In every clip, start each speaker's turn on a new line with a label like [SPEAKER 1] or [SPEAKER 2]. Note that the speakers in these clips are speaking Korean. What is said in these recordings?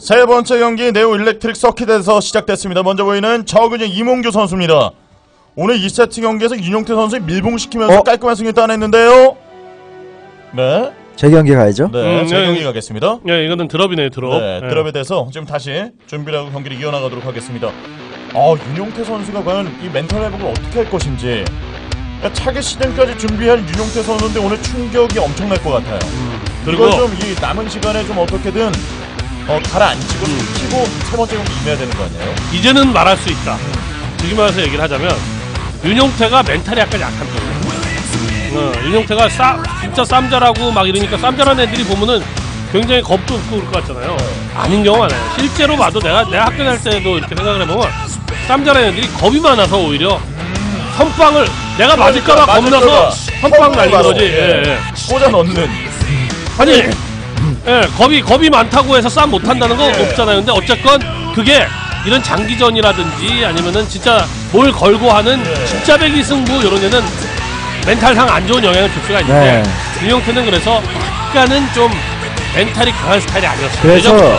[SPEAKER 1] 세 번째 경기 네오 일렉트릭 서킷에서 시작됐습니다. 먼저 보이는 저그진 이몽규 선수입니다. 오늘 2세트 경기에서 윤용태 선수 밀봉시키면서 깔끔한 승리 따냈는데요. 네.
[SPEAKER 2] 제 경기 가야죠.
[SPEAKER 1] 네, 제 경기 가겠습니다.
[SPEAKER 3] 네, 이거는 드럽이네요, 드럽.
[SPEAKER 1] 네, 드럽에 대해서 지금 다시 준비를 하고 경기를 이어나가도록 하겠습니다. 윤용태 선수가 과연 이 멘탈 회복을 어떻게 할 것인지. 차기 시즌까지 준비할 윤용태 선수인데 오늘 충격이 엄청날 것 같아요. 그리고 좀 이 남은 시간에 좀 어떻게든 가라앉히고 키고 세 번째 경기 임해야 되는 거 아니에요?
[SPEAKER 3] 이제는 말할 수 있다. 지금 와서 얘기를 하자면 윤용태가 멘탈이 약간 약한 편이에요. 윤용태가 진짜 쌈잘하고 막 이러니까 쌈잘한 애들이 보면은 굉장히 겁도 없고 그럴 것 같잖아요. 아닌 경우가 많아요. 실제로 봐도 내가 학교 다닐 때도 이렇게 생각을 해보면 쌈잘한 애들이 겁이 많아서 오히려 선빵을 내가 맞을까봐 겁나서 선빵 날리는 거지.
[SPEAKER 1] 예. 꽂아 넣는.
[SPEAKER 3] 아니, 겁이 많다고 해서 싸움 못한다는 거 없잖아요. 근데 어쨌건 그게 이런 장기전이라든지 아니면은 진짜 뭘 걸고 하는 진짜 배기 승부 이런 데는 멘탈상 안 좋은 영향을 줄 수가 있는데 윤용태는 그래서 약간은 좀 멘탈이 강한 스타일이 아니었어요.
[SPEAKER 2] 그래서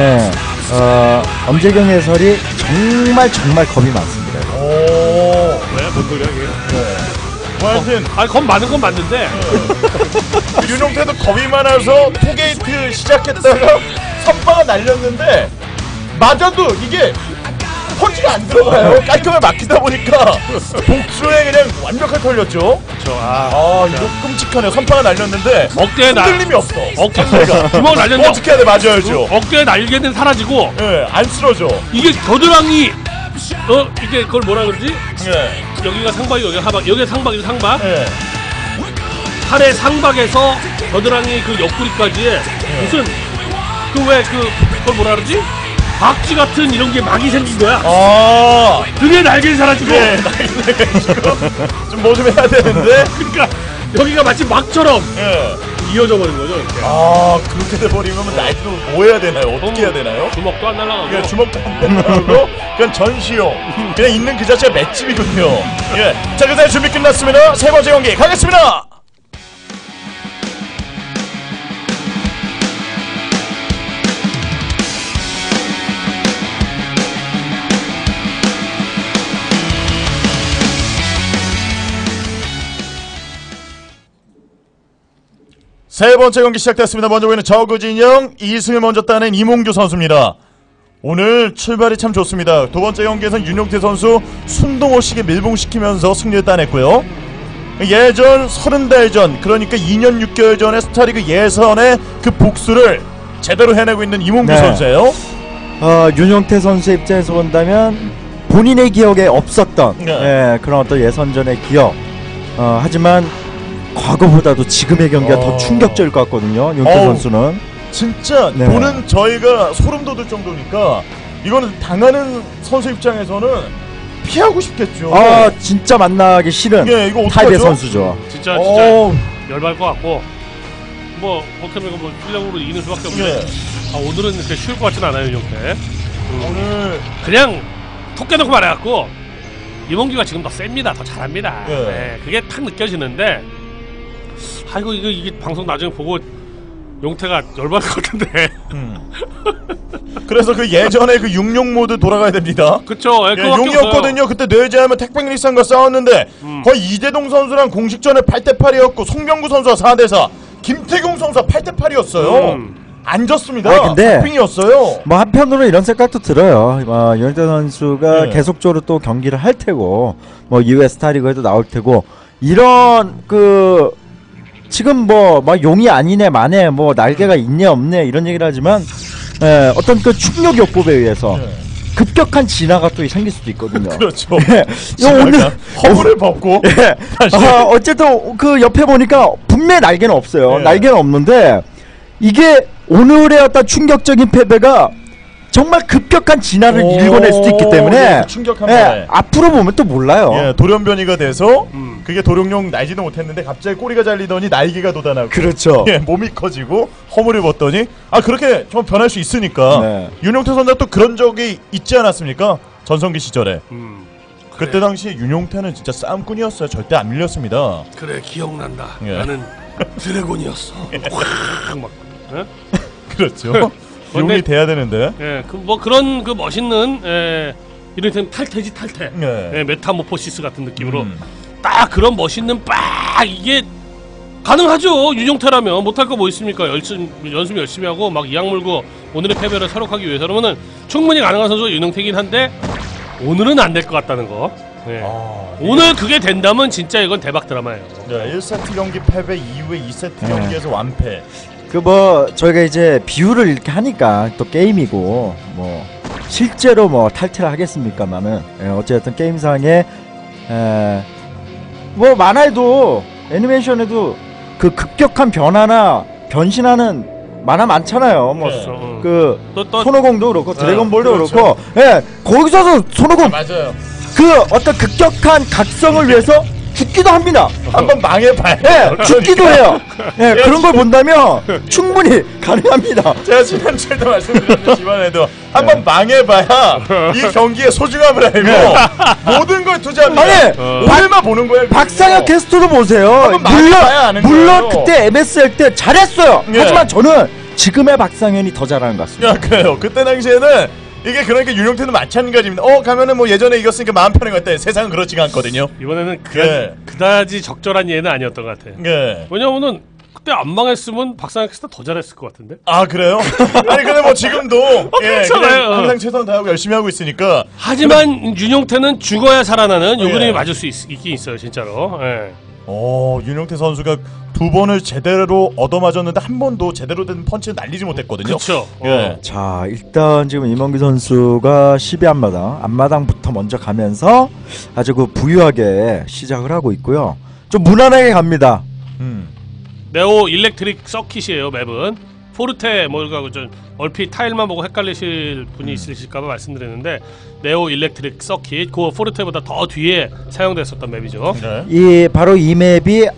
[SPEAKER 2] 엄재경 해설이 정말 겁이 많습니다.
[SPEAKER 1] 오,
[SPEAKER 3] 왜? 뭔 소리야 이게?
[SPEAKER 1] 하여튼
[SPEAKER 3] 겁 많은 건 맞는데
[SPEAKER 1] 윤용태도 겁이 많아서 투게이트 시작했다가 선방을 날렸는데 맞아도 이게 펀치가 안 들어가요. 깔끔하게 막히다 보니까 복수에 그냥 완벽하게 털렸죠.
[SPEAKER 3] 그렇죠.
[SPEAKER 1] 이거 끔찍하네요. 선방을 날렸는데
[SPEAKER 3] 어깨에
[SPEAKER 1] 흔들림이 없어.
[SPEAKER 3] 어깨가 주먹을 날렸는데
[SPEAKER 1] 어떻게 해야 돼? 맞아야죠.
[SPEAKER 3] 어깨에 날개는 사라지고
[SPEAKER 1] 안 쓰러져.
[SPEAKER 3] 이게 겨드랑이 이게 그걸 뭐라 그러지?
[SPEAKER 1] 네.
[SPEAKER 3] 여기가 상박이 여기가 하박 여기가 상박이죠. 상박.
[SPEAKER 1] 네.
[SPEAKER 3] 팔의 상박에서 겨드랑이 그 옆구리까지에 무슨 그걸 뭐라 그러지? 박쥐 같은 이런 게 막이 생긴 거야. 그게 날개를 사라지고.
[SPEAKER 1] 좀 뭐 좀 해야 되는데.
[SPEAKER 3] 그러니까 여기가 마치 막처럼 이어져 버린 거죠. 이렇게.
[SPEAKER 1] 그렇게 돼버리면 나이트로 뭐 해야 되나요? 어떻게 해야 되나요?
[SPEAKER 3] 주먹도 안 날라가고.
[SPEAKER 1] 주먹도 안 날라가고 그냥 전시용. 그냥 있는 그 자체가 맷집이군요. 자, 그다음 준비 끝났습니다. 세 번째 경기 가겠습니다. 세 번째 경기 시작됐습니다. 먼저 보이는 저그진영 2승을 먼저 따낸 이몽규 선수입니다. 오늘 출발이 참 좋습니다. 두 번째 경기에서는 윤용태 선수 순동호식에 밀봉시키면서 승리를 따냈고요. 예전 30달 전, 그러니까 2년 6개월 전에 스타리그 예선의 그 복수를 제대로 해내고 있는 이몽규 선수예요.
[SPEAKER 2] 윤용태 선수의 입장에서 본다면 본인의 기억에 없었던 그런 어떤 예선전의 기억. 하지만 과거보다도 지금의 경기가 더 충격적일 것 같거든요. 윤용태 선수는
[SPEAKER 1] 진짜 보는 저희가 소름 돋을 정도니까 이거는 당하는 선수 입장에서는 피하고 싶겠죠.
[SPEAKER 2] 진짜 만나기 싫은
[SPEAKER 1] 이거
[SPEAKER 2] 타입의 선수죠.
[SPEAKER 3] 진짜 열받을 것 같고 어떻게 보면 실력으로 이기는 수밖에 없는데 오늘은 그렇게 쉬울 것 같진 않아요. 윤용태
[SPEAKER 1] 오늘
[SPEAKER 3] 그냥 톡 깨놓고 말해갖고 이몽규가 지금 더 셉니다. 더 잘합니다. 그게 탁 느껴지는데 이게 방송 나중에 보고 용태가 열받을 것 같은데.
[SPEAKER 1] 그래서 그 예전에 그 육룡 모드 돌아가야 됩니다.
[SPEAKER 3] 그쵸.
[SPEAKER 1] 용이었거든요. 그때 뇌제하면 택백리상과 싸웠는데 거의 이재동 선수랑 공식전에 8대8이었고 송병구 선수가 4대4, 김태경 선수가 8대8이었어요. 안 졌습니다.
[SPEAKER 2] 근데
[SPEAKER 1] 핑이었어요.
[SPEAKER 2] 한편으로 이런 생각도 들어요. 윤용태 선수가 계속적으로 또 경기를 할 테고 이후에 스타리그에도 나올 테고 이런 지금 용이 아니네 마네 날개가 있네 없네 이런 얘기를 하지만 어떤 그 충격 요법에 의해서 급격한 진화가 또 생길 수도 있거든요.
[SPEAKER 1] 그렇죠.
[SPEAKER 2] 오늘
[SPEAKER 1] 허물을 벗고
[SPEAKER 2] 어쨌든 그 옆에 보니까 분명히 날개는 없어요. 날개는 없는데 이게 오늘의 어떤 충격적인 패배가 정말 급격한 진화를 일궈낼 수도 있기 때문에 앞으로 보면 또 몰라요.
[SPEAKER 1] 돌연변이가 돼서 그게 도룡뇽 날지도 못했는데 갑자기 꼬리가 잘리더니 날개가 돋아나고
[SPEAKER 2] 그렇죠.
[SPEAKER 1] 몸이 커지고 허물을 벗더니 그렇게 좀 변할 수 있으니까 윤용태 선수가 또 그런 적이 있지 않았습니까? 전성기 시절에 그때 당시에 윤용태는 진짜 싸움꾼이었어요. 절대 안 밀렸습니다.
[SPEAKER 3] 그래 기억난다. 나는 드래곤이었어. 확 막
[SPEAKER 1] 그렇죠. 용이 돼야 되는데.
[SPEAKER 3] 예, 뭐 그런 그 멋있는 이를테면 탈퇴지 탈퇴.
[SPEAKER 1] 네.
[SPEAKER 3] 예, 메타모포시스 같은 느낌으로 딱 그런 멋있는 빡 이게 가능하죠. 윤용태라면 못할 거 뭐 있습니까? 연습 열심히 하고 막 이악 물고 오늘의 패배를 설욕하기 위해서 그러면은 충분히 가능한 선수가 윤용태긴 한데 오늘은 안 될 것 같다는 거. 예. 오늘 그게 된다면 진짜 이건 대박 드라마예요.
[SPEAKER 1] 네, 1세트 경기 패배 이후에 2세트 경기에서 완패.
[SPEAKER 2] 그 뭐 저희가 이제 비유를 이렇게 하니까 또 게임이고 뭐 실제로 뭐 탈퇴를 하겠습니까만은 어쨌든 게임상에 뭐 만화에도 애니메이션에도 그 급격한 변화나 변신하는 만화 많잖아요. 뭐 그 손오공도 그렇고 드래곤볼도
[SPEAKER 1] 그렇죠.
[SPEAKER 2] 그렇고 거기서도 손오공
[SPEAKER 1] 맞아요.
[SPEAKER 2] 그 어떤 급격한 각성을 위해서 죽기도 합니다.
[SPEAKER 1] 한번 망해봐요.
[SPEAKER 2] 죽기도 해요. 그런 걸 본다면 충분히 가능합니다.
[SPEAKER 1] 제가 지난주에도 말씀드렸지만에도 한번 망해봐야 이 경기의 소중함을 알고 모든 걸 투자합니다.
[SPEAKER 2] 아니,
[SPEAKER 1] 오늘만 보는 거예요.
[SPEAKER 2] 박상혁 게스트로 보세요. 물론 그때 MS 할 때 잘했어요. 하지만 저는 지금의 박상현이 더 잘하는 것 같습니다.
[SPEAKER 1] 그래요. 그때 당시에는 이게 그러니까 윤용태도 마찬가지입니다. 가면은 뭐 예전에 이겼으니까 마음 편한 것 같아. 세상은 그렇지가 않거든요.
[SPEAKER 3] 이번에는 그다지 적절한 예는 아니었던 것 같아. 왜냐면은 그때 안 망했으면 박상혁 씨가 더 잘했을 것 같은데.
[SPEAKER 1] 아 그래요? 아니 근데 뭐 지금도 그냥 항상 최선을 다하고 열심히 하고 있으니까.
[SPEAKER 3] 하지만 윤용태는 죽어야 살아나는 요 그림이 맞을 수 있긴 있어요, 진짜로.
[SPEAKER 1] 윤용태 선수가 두 번을 제대로 얻어맞았는데 한 번도 제대로 된 펀치를 날리지 못했거든요.
[SPEAKER 3] 그렇죠.
[SPEAKER 2] 자, 일단 지금 이몽규 선수가 12안마당 앞마당부터 먼저 가면서 아주 그 부유하게 시작을 하고 있고요. 좀 무난하게 갑니다.
[SPEAKER 3] 네오 일렉트릭 서킷이에요. 맵은 포르테 뭐 이거 좀 얼핏 타일만 보고 헷갈리실 분이 있으실까봐 말씀드렸는데 네오 일렉트릭 서킷 그 포르테보다 더 뒤에 사용됐었던 맵이죠.
[SPEAKER 2] 이 바로 이 맵이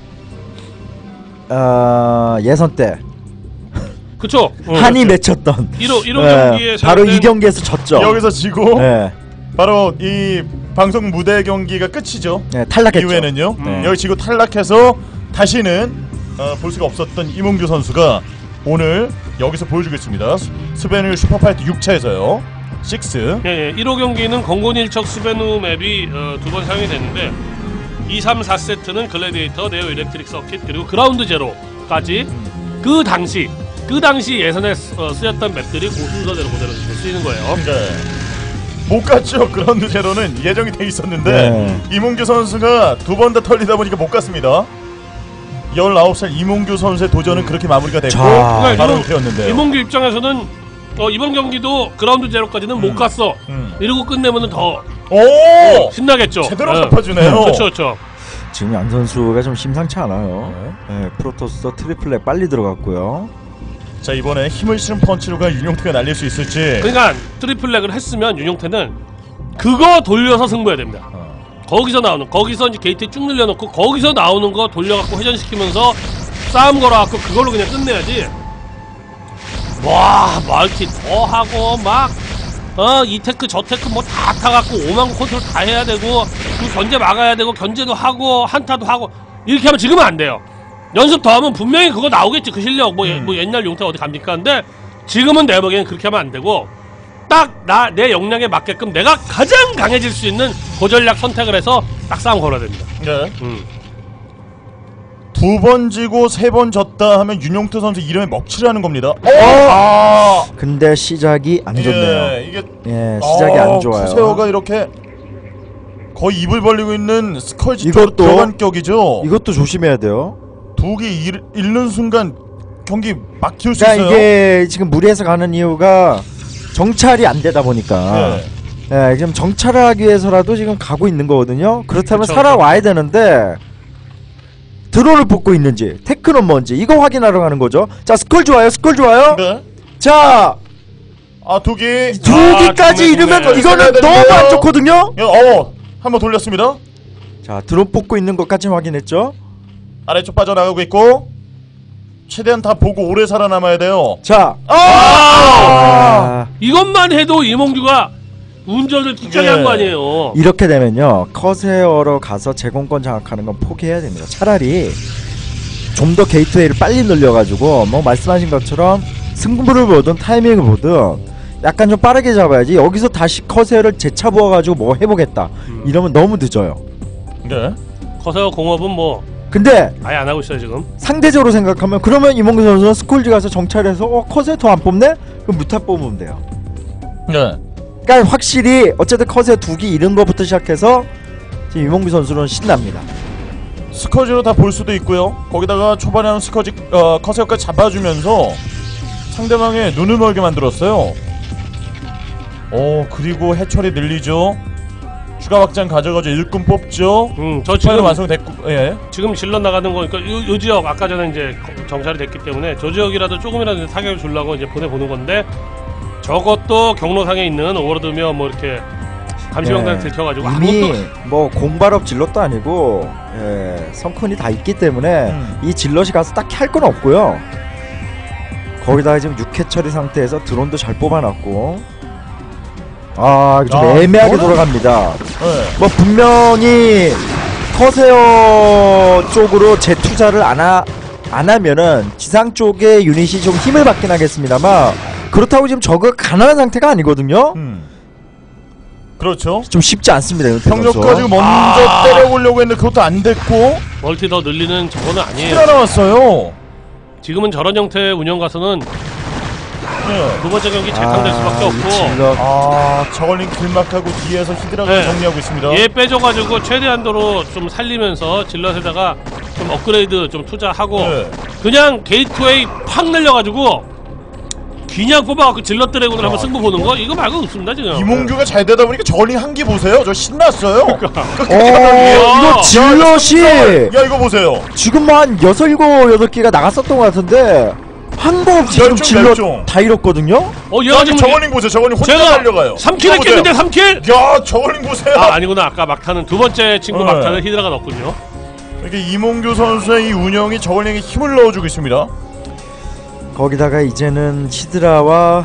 [SPEAKER 2] 예선 때
[SPEAKER 3] 그쵸?
[SPEAKER 2] 한이 맺혔던
[SPEAKER 3] 1호 경기에
[SPEAKER 2] 바로 이 경기에서 졌죠.
[SPEAKER 1] 여기서 지고 바로 이 방송 무대 경기가 끝이죠.
[SPEAKER 2] 탈락했죠.
[SPEAKER 1] 이후에는요. 여기 지고 탈락해서 다시는 볼 수가 없었던 이몽규 선수가 오늘 여기서 보여주겠습니다. 스베누 슈퍼파이트 6차에서요. 6.
[SPEAKER 3] 1호 경기는 건곤일척 스베누 맵이 두 번 사용이 됐는데 2, 3, 4세트는 글래디에이터, 네오 일렉트릭 서킷 그리고 그라운드 제로까지 그 당시 예선에 쓰였던 맵들이 그 순서대로 그대로 쓰이는 거예요.
[SPEAKER 1] 못 갔죠. 그라운드 제로는 예정이 돼 있었는데 이몽규 선수가 두 번 다 털리다 보니까 못 갔습니다. 19살 이몽규 선수의 도전은 그렇게 마무리가 됐고 바로 되었는데요.
[SPEAKER 3] 이몽규 입장에서는 이번 경기도 그라운드 제로까지는 못 갔어. 이러고 끝내면은 더 신나겠죠.
[SPEAKER 1] 제대로 덮어주네요.
[SPEAKER 3] 그렇죠.
[SPEAKER 2] 지금 양 선수가 좀 심상치 않아요. 프로토스 트리플렉 빨리 들어갔고요.
[SPEAKER 1] 자 이번에 힘을 실은 펀치로가 윤용태가 날릴 수 있을지.
[SPEAKER 3] 그러니까 트리플렉을 했으면 윤용태는 그거 돌려서 승부해야 됩니다. 거기서 이제 게이트에 쭉 늘려놓고 거기서 나오는 거 돌려갖고 회전시키면서 싸움 걸어갖고 그걸로 그냥 끝내야지. 와 멀티 더 하고 막 이 테크 저 테크 뭐 다 타갖고 5만 컨트롤 다 해야 되고 그 견제 막아야 되고 견제도 하고 한타도 하고 이렇게 하면 지금은 안 돼요. 연습 더 하면 분명히 그거 나오겠지. 그 실력 뭐 옛날 용태 어디 갑니까? 근데 지금은 내 보기에는 그렇게 하면 안 되고 딱 내 역량에 맞게끔 내가 가장 강해질 수 있는 고전략 선택을 해서 딱 싸움 걸어야 됩니다.
[SPEAKER 1] 두 번 지고 세 번 졌다 하면 윤용태 선수 이름에 먹칠을 하는 겁니다.
[SPEAKER 2] 근데 시작이 안 좋네요.
[SPEAKER 1] 이게
[SPEAKER 2] 시작이 안 좋아요.
[SPEAKER 1] 쿠세오가 이렇게 거의 입을 벌리고 있는 스컬지
[SPEAKER 2] 이것도
[SPEAKER 1] 들어간 격이죠.
[SPEAKER 2] 이것도 조심해야 돼요.
[SPEAKER 1] 두 개 잃는 순간 경기 막힐 수 있어요.
[SPEAKER 2] 이게 지금 무리해서 가는 이유가 정찰이 안 되다 보니까 지금 정찰을 하기 위해서라도 지금 가고 있는 거거든요. 그렇다면 살아와야 되는데 드론을 뽑고 있는지 테크는 뭔지 이거 확인하러 가는 거죠. 자 스컬 좋아요. 자
[SPEAKER 1] 두
[SPEAKER 2] 개까지 이르면 이거는 너무 안 좋거든요.
[SPEAKER 1] 한번 돌렸습니다.
[SPEAKER 2] 자 드론 뽑고 있는 것까지 확인했죠.
[SPEAKER 1] 아래쪽 빠져나가고 있고 최대한 다 보고 오래 살아남아야 돼요.
[SPEAKER 2] 자
[SPEAKER 3] 이것만 해도 이몽규가 운전을 기차게 한 거 아니에요.
[SPEAKER 2] 이렇게 되면요 커세어로 가서 제공권 장악하는 건 포기해야 됩니다. 차라리 좀 더 게이트웨이를 빨리 늘려가지고 뭐 말씀하신 것처럼 승부를 보든 타이밍을 보든 약간 좀 빠르게 잡아야지. 여기서 다시 커세어를 재차부어가지고 뭐 해보겠다 이러면 너무 늦어요.
[SPEAKER 1] 네.
[SPEAKER 3] 커세어 공업은 뭐
[SPEAKER 2] 근데
[SPEAKER 3] 아예 안 하고 있어요 지금.
[SPEAKER 2] 상대적으로 생각하면 그러면 이몽규 선수는 스콜지 가서 정찰해서 커세어 더 안 뽑네? 그럼 무탑 뽑으면 돼요.
[SPEAKER 1] 네.
[SPEAKER 2] 그러니까 확실히 어쨌든 커세어 2기 잃은 것부터 시작해서 지금 이몽규 선수는 신납니다.
[SPEAKER 1] 스커지로 다 볼 수도 있고요. 거기다가 초반에 하는 스커지 커세어까지 잡아주면서 상대방의 눈을 멀게 만들었어요. 그리고 해철이 늘리죠. 추가 확장 가져가죠. 일꾼 뽑죠.
[SPEAKER 3] 저
[SPEAKER 1] 지금
[SPEAKER 3] 지금
[SPEAKER 1] 완성됐고, 예.
[SPEAKER 3] 지금 질러 나가는 거니까 요 지역 아까 전에 이제 정찰이 됐기 때문에 저 지역이라도 조금이라도 타격을 주려고 이제 보내보는 건데 저것도 경로상에 있는 오버로드며 뭐 이렇게 감시병단 들켜가지고
[SPEAKER 2] 이미
[SPEAKER 3] 아무것도
[SPEAKER 2] 뭐 공발업 질럿도 아니고 성큰이 다 있기 때문에 이 질럿이 가서 딱히 할 건 없고요. 거기다가 지금 6회 처리 상태에서 드론도 잘 뽑아놨고 좀 애매하게 돌아갑니다.
[SPEAKER 1] 네.
[SPEAKER 2] 뭐 분명히 커세어 쪽으로 재투자를 안 하면은 지상 쪽에 유닛이 좀 힘을 받긴 하겠습니다만 그렇다고 지금 저거 가난한 상태가 아니거든요.
[SPEAKER 1] 그렇죠.
[SPEAKER 2] 좀 쉽지 않습니다.
[SPEAKER 1] 병력 가지고 먼저 때려보려고 했는데 그것도 안 됐고
[SPEAKER 3] 멀티 더 늘리는 저거는 아니에요.
[SPEAKER 1] 하나 나왔어요.
[SPEAKER 3] 지금은 저런 형태의 운영 가서는 두 번째 경기 재탕될 수밖에 없고
[SPEAKER 1] 저걸링 길막하고 뒤에서 히드라가
[SPEAKER 3] 네.
[SPEAKER 1] 정리하고 있습니다.
[SPEAKER 3] 얘 빼줘가지고 최대한도로 좀 살리면서 질럿에다가 좀 업그레이드 좀 투자하고
[SPEAKER 1] 네.
[SPEAKER 3] 그냥 게이트웨이 팍 늘려가지고 그냥 뽑아갖고 질럿 드래곤을 한번 승부 보는 거 이거 말고 없습니다 지금.
[SPEAKER 1] 이몽규가 잘 되다 보니까 저걸링 한 기 보세요. 저 신났어요.
[SPEAKER 2] 이거 질럿이
[SPEAKER 1] 야 이거 보세요.
[SPEAKER 2] 지금 뭐 한 6, 7, 8개가 나갔었던 것 같은데 한 거 없이 지금 질럿
[SPEAKER 1] 멸종.
[SPEAKER 2] 다 잃었거든요?
[SPEAKER 3] 얘가 지금
[SPEAKER 1] 저걸링 보세요. 저걸링 혼자
[SPEAKER 3] 제가
[SPEAKER 1] 달려가요.
[SPEAKER 3] 3킬 했겠는데 3킬?
[SPEAKER 1] 야 저걸링 보세요.
[SPEAKER 3] 아니구나 아까 막타는 두 번째 친구
[SPEAKER 1] 네.
[SPEAKER 3] 막타는 히드라가 넣었군요.
[SPEAKER 1] 이렇게 이몽규 선수의 이 운영이 저걸링에 힘을 넣어주고 있습니다.
[SPEAKER 2] 거기다가 이제는 히드라와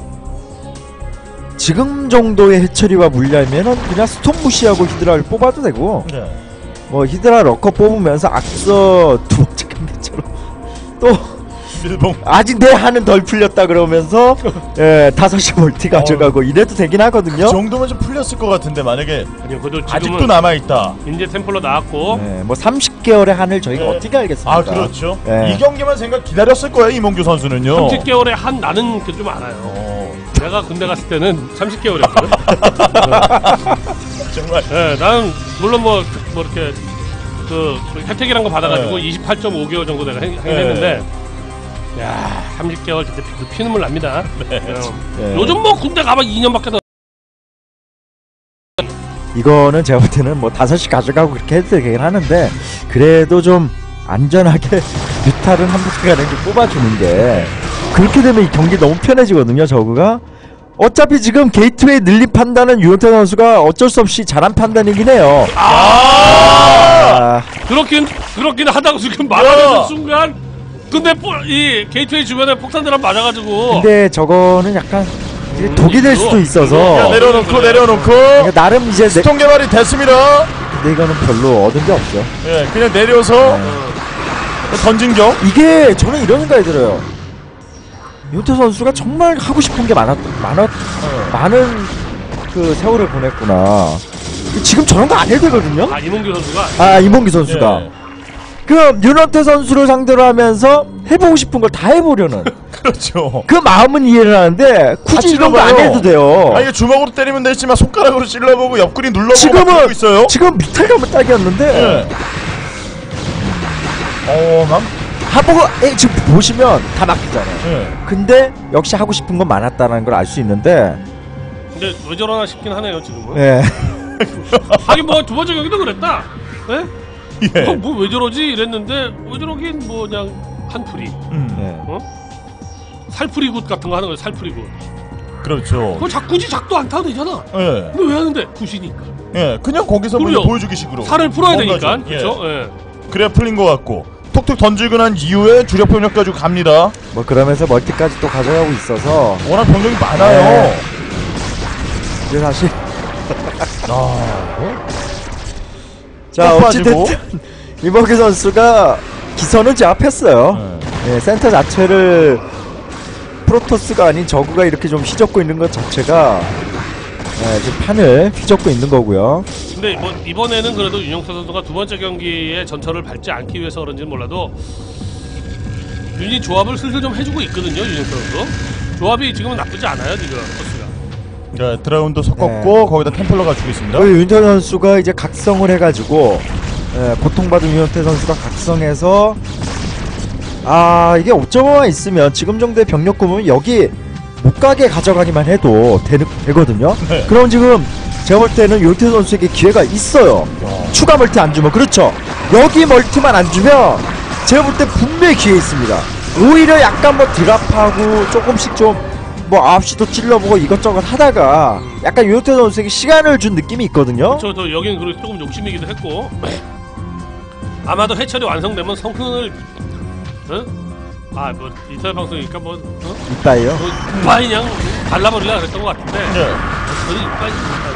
[SPEAKER 2] 지금 정도의 해처리와 물려면은 그냥 스톰 무시하고 히드라를 뽑아도 되고
[SPEAKER 1] 네.
[SPEAKER 2] 뭐 히드라 러커 뽑으면서 앞서 두 번째 경기처럼 또
[SPEAKER 1] 밀봉.
[SPEAKER 2] 아직 내 한은 덜 풀렸다 그러면서 5시 멀티 가져가고 이래도 되긴 하거든요.
[SPEAKER 1] 그 정도면 좀 풀렸을 것 같은데 만약에
[SPEAKER 3] 아니요 그래도
[SPEAKER 1] 아직도
[SPEAKER 3] 지금은
[SPEAKER 1] 남아있다.
[SPEAKER 3] 이제 템플러 나왔고
[SPEAKER 2] 뭐 30개월의 한을 저희가
[SPEAKER 1] 네.
[SPEAKER 2] 어떻게 알겠습니까?
[SPEAKER 1] 그렇죠.
[SPEAKER 2] 네.
[SPEAKER 1] 이 경기만 생각 기다렸을 거예요 이몽규 선수는요.
[SPEAKER 3] 30개월에 한 나는 그 좀 알아요. 내가 군대 갔을 때는 30개월이었거든.
[SPEAKER 1] 정말.
[SPEAKER 3] 네, 나는 물론 뭐 이렇게 그 혜택이란 거 받아가지고 28.5개월 정도 내가 했는데, 야 30개월 그때 피눈물 납니다. 요즘 뭐 군대 가면 2년밖에 더.
[SPEAKER 2] 이거는 제가 볼 때는 뭐 5시 가져가고 그렇게 해도 되긴 하는데 그래도 좀 안전하게 뮤탈은 한 부대 가는 게 뽑아주는 게 그렇게 되면 이 경기 너무 편해지거든요. 저그가 어차피 지금 게이트웨이 늘린 판단은 유현태 선수가 어쩔 수 없이 잘한 판단이긴 해요.
[SPEAKER 3] 그렇긴 하다고 지금 말하는 순간 근데 이 게이트웨이 주변에 폭탄들 맞아가지고.
[SPEAKER 2] 근데 저거는 약간 독이 될 수도 있어서
[SPEAKER 1] 내려놓고
[SPEAKER 2] 그러니까 나름 이제
[SPEAKER 1] 스톤 개발이 됐습니다.
[SPEAKER 2] 근데 이거는 별로 얻은 게 없죠.
[SPEAKER 1] 그냥 내려서 던진 격.
[SPEAKER 2] 이게 저는 이런 생각이 들어요. 윤태 선수가 정말 하고 싶은 게 많은 그 세월을 보냈구나. 지금 저런 거 안 해도 되거든요.
[SPEAKER 3] 이몽규 선수가.
[SPEAKER 2] 이몽규 선수가. 그 윤태 선수를 상대로 하면서 해보고 싶은 걸 다 해보려는.
[SPEAKER 1] 그렇죠.
[SPEAKER 2] 그 마음은 이해를 하는데 굳이 이런 거 안 해도 돼요.
[SPEAKER 1] 이게 주먹으로 때리면 되지만 손가락으로 찔러보고 옆구리 눌러보고 하고 있어요.
[SPEAKER 2] 지금 밑에 가면 딱이었는데. 하보고 지금 보시면 다 막히잖아요. 근데 역시 하고 싶은 건 많았다는 걸 알 수 있는데.
[SPEAKER 3] 근데 왜 저러나 싶긴 하네요 지금은. 하긴 뭐 두 번째 경기도 그랬다. 뭐 왜 저러지 이랬는데 왜 저러긴 뭐 그냥 한풀이. 살풀이굿 같은 거 하는 거예요. 살풀이굿.
[SPEAKER 1] 그렇죠.
[SPEAKER 3] 그거 굳이 작도 안 타도 되잖아. 근데 왜 하는데? 굿이니까.
[SPEAKER 1] 그냥 거기서 뭐 보여주기 식으로.
[SPEAKER 3] 살을 풀어야 되니까. 그렇죠.
[SPEAKER 1] 그래야 풀린 것 같고. 톡톡 던지고 난 이후에 주력 병력 가지고 갑니다.
[SPEAKER 2] 뭐 그러면서 멀티까지 또 가져가고 있어서
[SPEAKER 1] 워낙 병력이 많아요.
[SPEAKER 2] 이제 사실 자 어찌됐든 이범기 선수가 기선을 제압했어요. 센터 자체를 프로토스가 아닌 저그가 이렇게 좀 휘젓고 있는 것 자체가 지금 판을 휘젓고 있는 거고요.
[SPEAKER 3] 근데 뭐 이번에는 그래도 윤영태 선수가 두 번째 경기에 전철을 밟지 않기 위해서 그런지는 몰라도 유닛 조합을 슬슬 좀 해주고 있거든요. 윤영태 선수 조합이 지금은 나쁘지 않아요. 지금 토스가.
[SPEAKER 1] 네, 드라운도 섞었고 거기다 템플러가 주고 있습니다.
[SPEAKER 2] 윤태 선수가 이제 각성을 해가지고 고통받은 윤태 선수가 각성해서 이게 5.5만 있으면 지금 정도의 병력 구면 여기 못 가게 가져가기만 해도 되거든요.
[SPEAKER 1] 네.
[SPEAKER 2] 그럼 지금 제가 볼 때는 윤태 선수에게 기회가 있어요. 추가 멀티 안 주면 그렇죠. 여기 멀티만 안 주면 제가 볼 때 분명히 기회 있습니다. 오히려 약간 뭐 드랍하고 조금씩 좀 뭐 9시도 찔러보고 이것저것 하다가 약간 윤태 선수에게 시간을 준 느낌이 있거든요.
[SPEAKER 3] 그렇죠. 또 여기는 그리고 조금 욕심이기도 했고 아마도 해철이 완성되면 성큰을 뭐 인터넷 방송이니까 뭐
[SPEAKER 2] 이빠이요.
[SPEAKER 3] 이빠이 그냥 발라버리려 그랬던 것 같은데
[SPEAKER 1] 네.
[SPEAKER 3] 저는 이빠이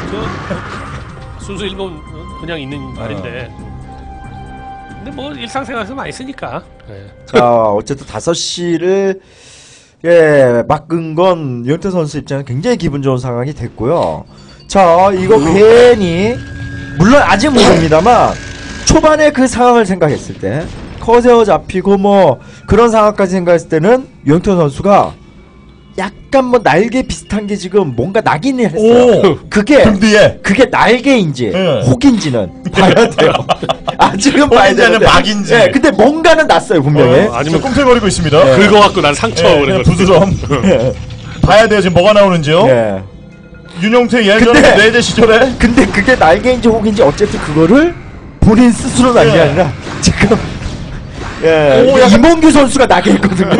[SPEAKER 3] 순수 일본 그냥 있는 말인데 근데 뭐 일상생활에서 많이 쓰니까.
[SPEAKER 2] 자 어쨌든 5시를 막은 건 윤태 선수 입장에서 굉장히 기분 좋은 상황이 됐고요. 자 이거 괜히 물론 아직 모릅니다만 초반에 그 상황을 생각했을 때 커세어 잡히고 뭐 그런 상황까지 생각했을 때는 윤태 선수가 약간 뭐 날개 비슷한 게 지금 뭔가 나긴 했어요. 그게 날개인지 혹인지는 봐야 돼요. 아직은 봐야 되는데
[SPEAKER 1] 막인지.
[SPEAKER 2] 근데 뭔가는 났어요 분명히.
[SPEAKER 3] 아니면
[SPEAKER 1] 꿈틀거리고 있습니다.
[SPEAKER 3] 긁어갖고 난 상처 그런 거.
[SPEAKER 1] 부스럼. 봐야 돼요 지금 뭐가 나오는지요. 윤용태 예전에 뇌제 시절에.
[SPEAKER 2] 근데 그게 날개인지 혹인지 어쨌든 그거를 본인 스스로는 아닌 게 아니라 지금 이몽규 선수가 나게 했거든요.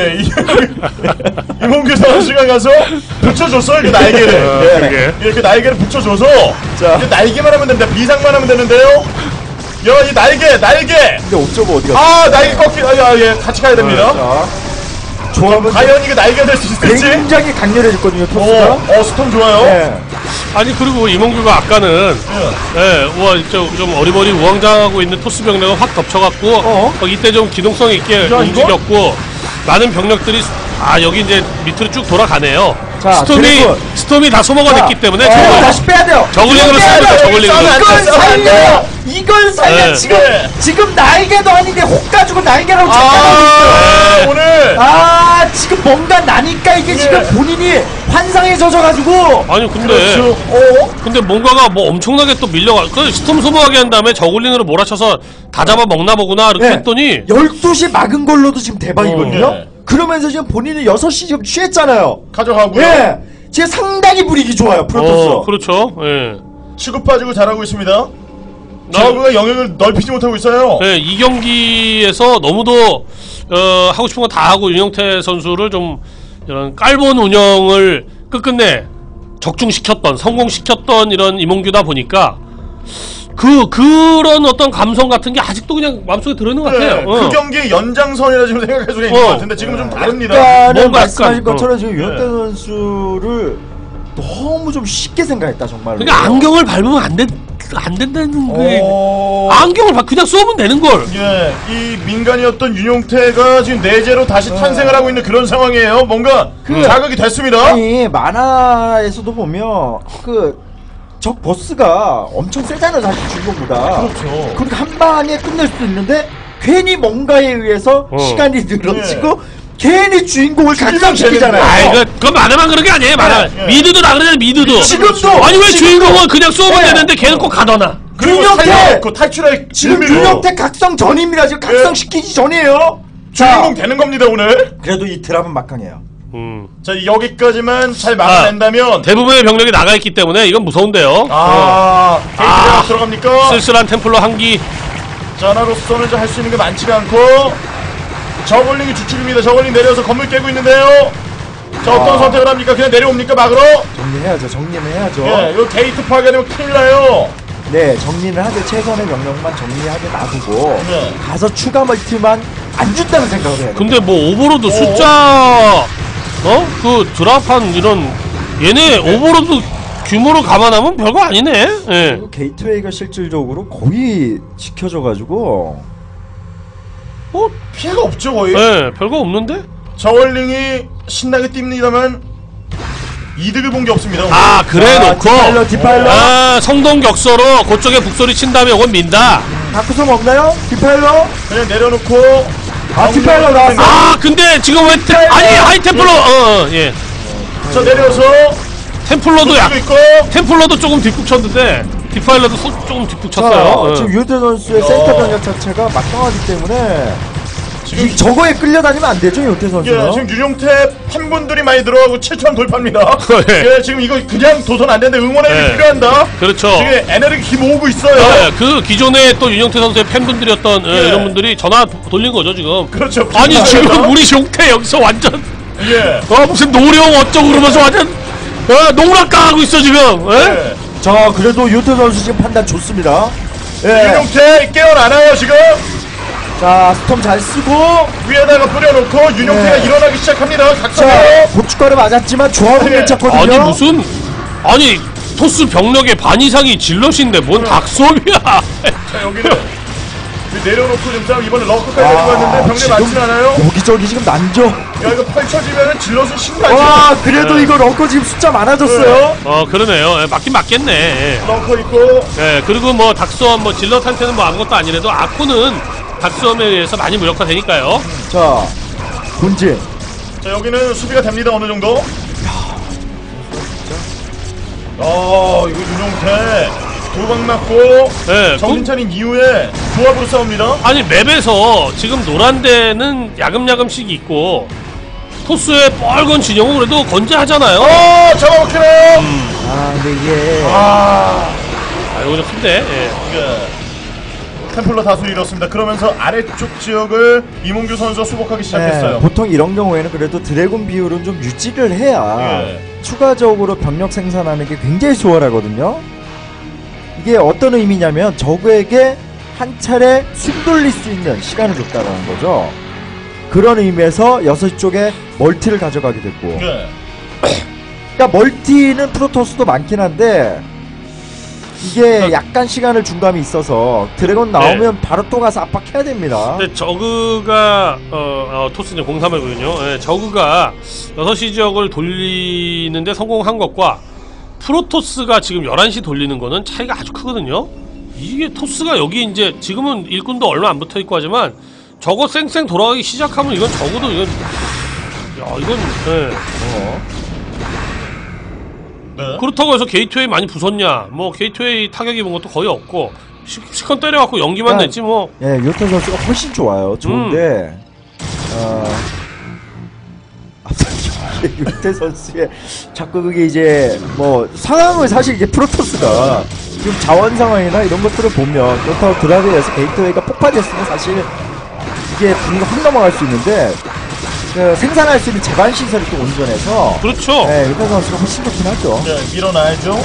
[SPEAKER 1] 이몽규 선수가 가서 붙여줬어요 그 날개를. 이렇게 날개를 붙여줘서 이제 날개만 하면 됩니다. 비상만 하면 되는데요. 이 날개.
[SPEAKER 2] 근데 5.5 어디 갔어?
[SPEAKER 1] 날개 꺾기. 같이 가야 됩니다.
[SPEAKER 2] 조합은
[SPEAKER 1] 과연 이거 날개가 될 수 있을지.
[SPEAKER 2] 굉장히 강렬해졌거든요 토스가.
[SPEAKER 1] 스톰 좋아요.
[SPEAKER 3] 아니 그리고 이몽규가 아까는 좀 어리버리 우왕좌왕하고 있는 토스 병력을 확 덮쳐갖고 이때 좀 기동성 있게 움직였고 많은 병력들이 여기 이제 밑으로 쭉 돌아가네요.
[SPEAKER 2] 자,
[SPEAKER 3] 스톰이 다 소모가 됐기 때문에
[SPEAKER 2] 다시 빼야 돼요.
[SPEAKER 3] 저글링으로 씁니다. 저글링으로.
[SPEAKER 2] 이걸 살려. 지금 날개도 아닌데 혹 가지고 날개라고 착각하고 있어요.
[SPEAKER 1] 오늘
[SPEAKER 2] 지금 뭔가 나니까 이게 지금 본인이 환상에 젖어가지고.
[SPEAKER 3] 아니 근데 뭔가가 뭐 엄청나게 또 밀려가. 그 스톰 소모하게 한 다음에 저글링으로 몰아쳐서 다 잡아 먹나 보구나 이렇게 했더니
[SPEAKER 2] 12시 막은 걸로도 지금 대박이거든요. 그러면서 지금 본인은 6시 지금 취했잖아요.
[SPEAKER 1] 가져가고요.
[SPEAKER 2] 지금 상당히 분위기 좋아요 프로토스.
[SPEAKER 3] 그렇죠.
[SPEAKER 1] 치고 빠지고 잘하고 있습니다. 저그가 영역을 넓히지 못하고 있어요.
[SPEAKER 3] 이 경기에서 너무도 하고 싶은 거 다 하고 윤영태 선수를 좀 이런 깔본 운영을 끝끝내 적중시켰던 성공시켰던 이런 이몽규다 보니까 그런 어떤 감성 같은 게 아직도 그냥 마음속에 들어있는 것 같아요.
[SPEAKER 1] 그 경기의 연장선이라 지금 생각할 수가 있는 것 같은데 지금 좀 다릅니다.
[SPEAKER 2] 뭔가 말씀하신 것처럼 지금 윤영태 선수를 너무 좀 쉽게 생각했다 정말로.
[SPEAKER 3] 그러니까 안경을 밟으면 안 된다는 게 안경을 그냥 쏘면 되는 걸.
[SPEAKER 1] 이 민간이었던 윤용태가 지금 내재로 다시 탄생을 하고 있는 그런 상황이에요. 뭔가 자극이 됐습니다.
[SPEAKER 2] 아니 만화에서도 보면 적 보스가 엄청 세잖아요 사실 주인공보다.
[SPEAKER 1] 그렇죠.
[SPEAKER 2] 그러니까 한 방에 끝낼 수도 있는데 괜히 뭔가에 의해서 시간이 늘어지고 괜히 주인공을 각성시키잖아요.
[SPEAKER 3] 그건 만화만 그런 게 아니에요. 만화. 미드도 다 그러잖아요. 미드도.
[SPEAKER 2] 지금도
[SPEAKER 3] 아니 왜 주인공은 그냥 쏘면 되는데 걔는 꼭 가더나.
[SPEAKER 2] 윤영태
[SPEAKER 1] 탈출할
[SPEAKER 2] 지금 윤영태 각성 전입니다. 지금 각성시키기 전이에요.
[SPEAKER 1] 주인공 되는 겁니다 오늘.
[SPEAKER 2] 그래도 이 드랍은 막강해요.
[SPEAKER 1] 자 여기까지만 잘 막아낸다면
[SPEAKER 3] 대부분의 병력이 나가 있기 때문에 이건 무서운데요.
[SPEAKER 1] 게이트가 들어갑니까?
[SPEAKER 3] 쓸쓸한 템플러 한기.
[SPEAKER 1] 자 하나로서는 할 수 있는 게 많지가 않고 저글링이 주축입니다. 저글링 내려서 건물 깨고 있는데요. 자 어떤 선택을 합니까? 그냥 내려옵니까 막으러?
[SPEAKER 2] 정리는 해야죠.
[SPEAKER 1] 이거 게이트 파괴되면 큰일 나요.
[SPEAKER 2] 네, 정리를 하되 최선의 명령만 정리하게 놔두고 가서 추가 멀티만 안 준다는 생각을 해요.
[SPEAKER 3] 근데 뭐 오버로드 숫자 그 드랍한 이런 얘네 오버로드 규모를 감안하면 별거 아니네.
[SPEAKER 2] 그리고 게이트웨이가 실질적으로 거의 지켜져가지고
[SPEAKER 1] 피해가 없죠 거의.
[SPEAKER 3] 별거 없는데?
[SPEAKER 1] 저글링이 신나게 뜁니다만 이득을 본 게 없습니다.
[SPEAKER 3] 아 그래 놓고
[SPEAKER 2] 디파일러.
[SPEAKER 3] 아 성동격서로 그쪽에 북소리 친 다음에 이건 민다.
[SPEAKER 2] 다크솜 없나요? 디파일러?
[SPEAKER 1] 그냥 내려놓고
[SPEAKER 2] 디파일러 나왔어.
[SPEAKER 3] 아 근데 지금 왜 아니 하이템플러 예
[SPEAKER 1] 자 내려서
[SPEAKER 3] 템플러도 약
[SPEAKER 1] 있고
[SPEAKER 3] 템플러도 조금 뒷북 쳤는데 디파일러도 조금 뒷북
[SPEAKER 2] 자,
[SPEAKER 3] 쳤어요.
[SPEAKER 2] 지금 유효태 선수의 센터 병력 자체가 막강하기 때문에
[SPEAKER 1] 지금
[SPEAKER 2] 저거에 끌려다니면 안 되죠, 유효태 선수는.
[SPEAKER 1] 예, 지금 윤용태 팬분들이 많이 들어가고 7천 돌파입니다.
[SPEAKER 3] 예.
[SPEAKER 1] 예, 지금 이거 그냥 도전 안 되는데 응원의 힘이
[SPEAKER 3] 예.
[SPEAKER 1] 필요한다.
[SPEAKER 3] 그렇죠.
[SPEAKER 1] 지금 에너지 힘 모으고 있어요.
[SPEAKER 3] 네, 그 기존에 또 윤영태 선수의 팬분들이었던
[SPEAKER 1] 예.
[SPEAKER 3] 이런 분들이 전화 돌린 거죠 지금.
[SPEAKER 1] 그렇죠.
[SPEAKER 3] 아니
[SPEAKER 1] 비슷하다.
[SPEAKER 3] 지금 우리 용태 여기서 완전
[SPEAKER 1] 예.
[SPEAKER 3] 무슨 노령 어쩌고 그러면서 완전 농락당하고 있어 지금. 예?
[SPEAKER 1] 예.
[SPEAKER 2] 자, 그래도 유효태 선수 지금 판단 좋습니다. 예.
[SPEAKER 1] 윤용태 깨어나나요 지금?
[SPEAKER 2] 자, 스톰 잘 쓰고.
[SPEAKER 1] 위에다가 뿌려놓고 윤용태가
[SPEAKER 2] 네.
[SPEAKER 1] 일어나기 시작합니다.
[SPEAKER 2] 자,
[SPEAKER 1] 각성으로.
[SPEAKER 2] 고춧가루 맞았지만 조합은
[SPEAKER 1] 예.
[SPEAKER 2] 괜찮거든요.
[SPEAKER 3] 아니 무슨 아니 토스 병력의 반 이상이 질럿인데 뭔 닭솜이야.
[SPEAKER 1] 자 여기는 내려놓고 지금 싸움 이번에 럭커까지 데리고 왔는데 병력 많진 않아요?
[SPEAKER 2] 여기저기 지금 난죠.
[SPEAKER 1] 야 이거 펼쳐지면은 질럿은 신나지.
[SPEAKER 2] 와, 그래도
[SPEAKER 3] 네.
[SPEAKER 2] 이거 럭커 지금 숫자 많아졌어요.
[SPEAKER 3] 그러네요. 예, 맞긴 맞겠네. 예.
[SPEAKER 1] 럭커 있고.
[SPEAKER 3] 예, 그리고 뭐 닭솜 뭐 질럿한테는 뭐 아무것도 아니라도 아코는 닭솜에 의해서 많이 무력화되니까요.
[SPEAKER 2] 자, 본진.
[SPEAKER 1] 자 여기는 수비가 됩니다 어느 정도. 이거 윤용태 두 방 맞고
[SPEAKER 3] 예,
[SPEAKER 1] 정신 차린 이후에 조합으로 싸웁니다.
[SPEAKER 3] 아니 맵에서 지금 노란 데는 야금야금씩 있고 토스의 빨간 진영은 그래도 건재하잖아요.
[SPEAKER 1] 잡아먹히네요.
[SPEAKER 2] 아, 근데 이게
[SPEAKER 3] 이거 좀 큰데. 예.
[SPEAKER 1] 예. 템플러 다수 잃었습니다. 그러면서 아래쪽 지역을 이몽규 선수가 수복하기 시작했어요.
[SPEAKER 2] 네, 보통 이런 경우에는 그래도 드래곤 비율은 좀 유지를 해야
[SPEAKER 1] 예.
[SPEAKER 2] 추가적으로 병력 생산하는 게 굉장히 수월하거든요. 이게 어떤 의미냐면 적에게 한 차례 숨 돌릴 수 있는 시간을 줬다는 거죠. 그런 의미에서 6시 쪽에 멀티를 가져가게 됐고,
[SPEAKER 1] 예.
[SPEAKER 2] 그러니까 멀티는 프로토스도 많긴 한데 이게 약간 시간을 준 감이 있어서 드래곤 나오면 바로 또 가서 압박해야 됩니다.
[SPEAKER 3] 근데 저그가 토스는 03이거든요. 예, 저그가 6시 지역을 돌리는데 성공한 것과 프로토스가 지금 11시 돌리는 거는 차이가 아주 크거든요. 이게 토스가 여기 이제 지금은 일꾼도 얼마 안 붙어 있고 하지만 저거 쌩쌩 돌아가기 시작하면 이건 적어도 이건 예.
[SPEAKER 1] 네.
[SPEAKER 3] 그렇다고 해서 게이트웨이 많이 부쉈냐? 뭐 게이트웨이 타격 입은 것도 거의 없고 시컨 때려갖고 연기만
[SPEAKER 2] 그러니까
[SPEAKER 3] 냈지 뭐.
[SPEAKER 2] 예, 요태 선수가 훨씬 좋아요. 좋은데 요태 선수의 자꾸 그게 이제 뭐 상황을 사실 이제 프로토스가 지금 자원 상황이나 이런 것들을 보면 그렇다고 드라이브에서 게이트웨이가 폭파됐으면 사실 이게 분위기가 확 넘어갈 수 있는데 그 생산할 수 있는 제반 시설이 또 온전해서
[SPEAKER 3] 그렇죠.
[SPEAKER 2] 네, 요태 선수가 훨씬 좋긴 하죠.
[SPEAKER 1] 네, 밀어놔야죠.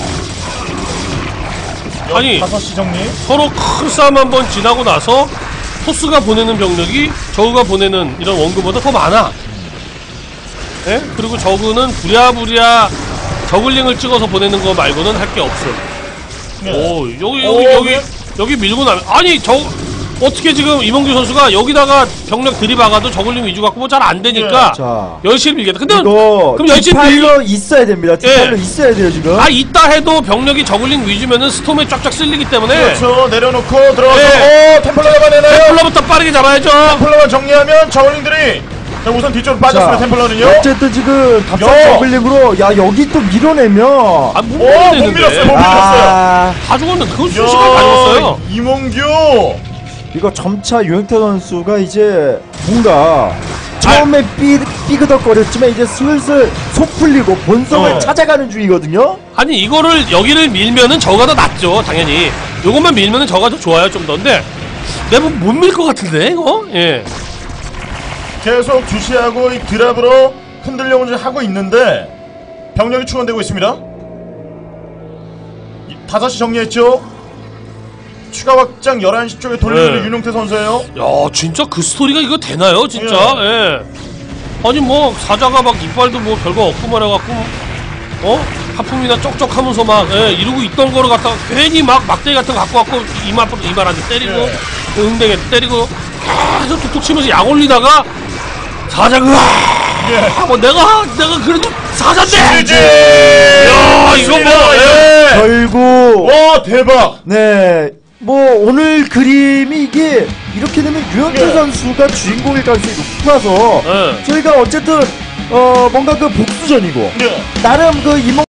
[SPEAKER 3] 아니
[SPEAKER 1] 5시 정리.
[SPEAKER 3] 서로 큰 싸움 한번 지나고 나서 토스가 보내는 병력이 저그가 보내는 이런 원금보다 더 많아. 예? 그리고 저그는 부랴부랴 저글링을 찍어서 보내는 거 말고는 할 게 없음.
[SPEAKER 1] 네.
[SPEAKER 3] 오
[SPEAKER 1] 오, 네.
[SPEAKER 3] 여기 밀고 나면 아니 저 어떻게 지금 이몽규 선수가 여기다가 병력 들이박아도 저글링 위주 갖고 뭐 잘 안 되니까
[SPEAKER 2] 자,
[SPEAKER 3] 열심히 밀겠다. 근데
[SPEAKER 2] 이거
[SPEAKER 3] 그럼 열심히
[SPEAKER 2] 디파일러 있어야 됩니다. 디파일러
[SPEAKER 3] 예.
[SPEAKER 2] 있어야 돼요 지금.
[SPEAKER 3] 있다 해도 병력이 저글링 위주면은 스톰에 쫙쫙 쓸리기 때문에
[SPEAKER 1] 그렇죠. 내려놓고 들어가서
[SPEAKER 3] 예.
[SPEAKER 1] 템플러 잡아내나요?
[SPEAKER 3] 템플러부터 빠르게 잡아야죠.
[SPEAKER 1] 템플러만 정리하면 저울링들이 자, 우선 뒤쪽으로 빠졌습니다. 템플러는요.
[SPEAKER 2] 어쨌든 지금 답상
[SPEAKER 1] 야.
[SPEAKER 2] 저글링으로 야 여기 또 밀어내면
[SPEAKER 3] 못
[SPEAKER 1] 못
[SPEAKER 3] 밀었는데
[SPEAKER 1] 밀었어요. 못 밀었어요.
[SPEAKER 3] 다 죽었는데 그건 수시간 다 죽었어요.
[SPEAKER 1] 이몽규.
[SPEAKER 2] 이거 점차 유영태 선수가 이제 뭔가 처음에 삐그덕거렸지만 이제 슬슬 속 풀리고 본성을 찾아가는 중이거든요.
[SPEAKER 3] 아니 이거를 여기를 밀면은 저가 더 낫죠 당연히. 요것만 밀면은 저가 더 좋아요 좀 더. 근데 내가 못 밀 것 같은데 이거. 예.
[SPEAKER 1] 계속 주시하고 이 드랍으로 흔들려고 하고 있는데 병력이 충원되고 있습니다. 5시 정리했죠. 추가 확장 11시 쪽에 돌리는
[SPEAKER 3] 네.
[SPEAKER 1] 윤용태 선수예요.
[SPEAKER 3] 야 진짜 그 스토리가 이거 되나요 진짜. 예. 아니 뭐 사자가 막 이빨도 뭐 별거 없고 말해갖고 하품이나 쩍쩍하면서 막 이러고 있던 거를 갖다가 괜히 막 막대기 같은 거 갖고 갖고 이마한테 때리고 응대게 때리고 계속 툭툭 치면서 약 올리다가 사자가 뭐 내가 그래도 사자인데.
[SPEAKER 1] 지지.
[SPEAKER 3] 야, 이거 뭐. 예.
[SPEAKER 2] 결국
[SPEAKER 1] 와 대박.
[SPEAKER 2] 네. 뭐 오늘 그림이 이게 이렇게 되면 유현태
[SPEAKER 1] 예.
[SPEAKER 2] 선수가 주인공일 가능성이 높아서
[SPEAKER 3] 예.
[SPEAKER 2] 저희가 어쨌든 뭔가 그 복수전이고
[SPEAKER 1] 네.
[SPEAKER 2] 나름 그 이몽